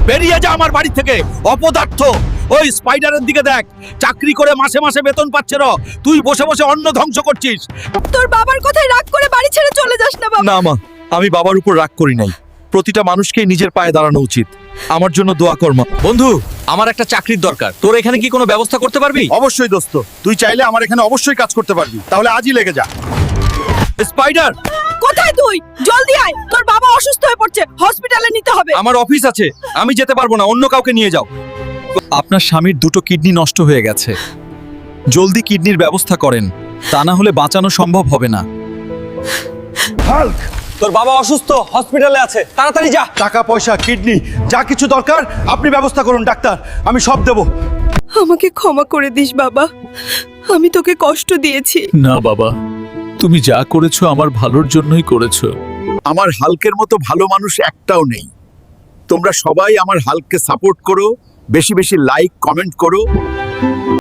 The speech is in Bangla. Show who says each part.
Speaker 1: বেরিয়ে যা আমার বাড়ি থেকে অপদার্থ। ওই স্পাইডারের দিকে দেখ, চাকরি করে মাসে মাসে বেতন পাচ্ছে না, তুই বসে বসে অন্ন ধ্বংস করছিস।
Speaker 2: তোর বাবার কথায় রাগ করে বাড়ি ছেড়ে চলে যাস না বাবা।
Speaker 1: না মা, আমি বাবার উপর রাগ করি নাই। প্রতিটা মানুষকেই নিজের পায়ে দাঁড়ানো উচিত। আমার জন্য দোয়া কর মা। বন্ধু, আমার একটা চাকরির দরকার, তোর এখানে কি কোনো ব্যবস্থা করতে পারবি?
Speaker 3: অবশ্যই দোস্ত, তুই চাইলে আমার এখানে অবশ্যই কাজ করতে পারবি, তাহলে আজই লেগে যা।
Speaker 1: স্পাইডার,
Speaker 2: কোথায় তুই? জলদি আয়, তোর বাবা অসুস্থ হয়ে পড়ছে, হসপিটালে নিতে হবে।
Speaker 1: আমার অফিস আছে, আমি যেতে পারবো না, অন্য কাউকে নিয়ে যাও। আপনার স্বামীর দুটো কিডনি নষ্ট হয়ে গেছে, জলদি কিডনির ব্যবস্থা করেন, তা না হলে বাঁচানো সম্ভব হবে না।
Speaker 3: হাল্ক,
Speaker 1: তোর বাবা অসুস্থ, হসপিটালে আছে, তাড়াতাড়ি যা।
Speaker 3: টাকা পয়সা কিডনি যা কিছু দরকার আপনি ব্যবস্থা করুন ডাক্তার, আমি সব দেব।
Speaker 2: আমাকে ক্ষমা করে দিস বাবা, আমি তোকে কষ্ট দিয়েছি।
Speaker 4: না বাবা, তুমি যা করেছো আমার ভালোর জন্যই করেছো।
Speaker 3: আমার হাল্কের মতো ভালো মানুষ একটাও নেই। তোমরা সবাই আমার হাল্ককে সাপোর্ট করো, বেশি বেশি লাইক কমেন্ট করো।